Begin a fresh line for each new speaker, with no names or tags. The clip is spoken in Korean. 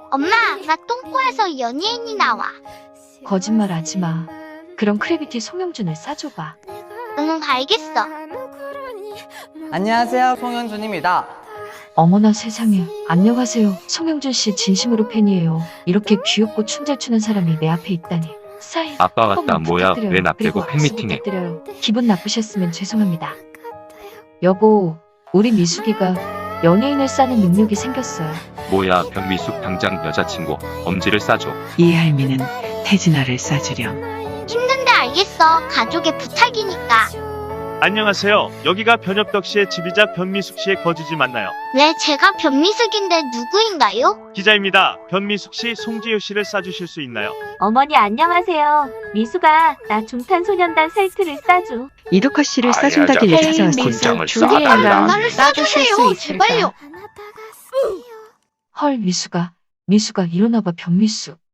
엄마, 나 똥꼬에서 연예인이 나와.
거짓말 하지 마. 그럼 크래비티 송영준을 싸줘봐.
응, 알겠어.
안녕하세요, 송현준입니다.
어머나 세상에. 안녕하세요. 송영준 씨 진심으로 팬이에요. 이렇게 귀엽고 춤 잘 추는 사람이 내 앞에 있다니. 사인
아빠
한
왔다.
번만
뭐야?
부탁드려요.
왜 나
그리고
빼고
악수
팬미팅해?
부탁드려요. 기분 나쁘셨으면 죄송합니다. 여보, 우리 미숙이가 연예인을 싸는 능력이 생겼어요.
뭐야? 변미숙 당장 여자친구 엄지를 싸줘.
이 할미는 태진아를 싸주렴.
힘든데 알겠어. 가족의 부탁이니까.
안녕하세요. 여기가 변엽덕 씨의 집이자 변미숙 씨의 거주지 맞나요?
네, 제가 변미숙인데 누구인가요?
기자입니다. 변미숙 씨, 송지효 씨를 싸주실 수 있나요?
어머니 안녕하세요. 미수가 나 중탄소년단 셀트를 싸줘.
이덕화 씨를 싸준다길래 찾아왔습니다.
군장을
나를
싸달라.
싸주세요. 제발요.
헐, 미숙아 일어나봐. 변미숙.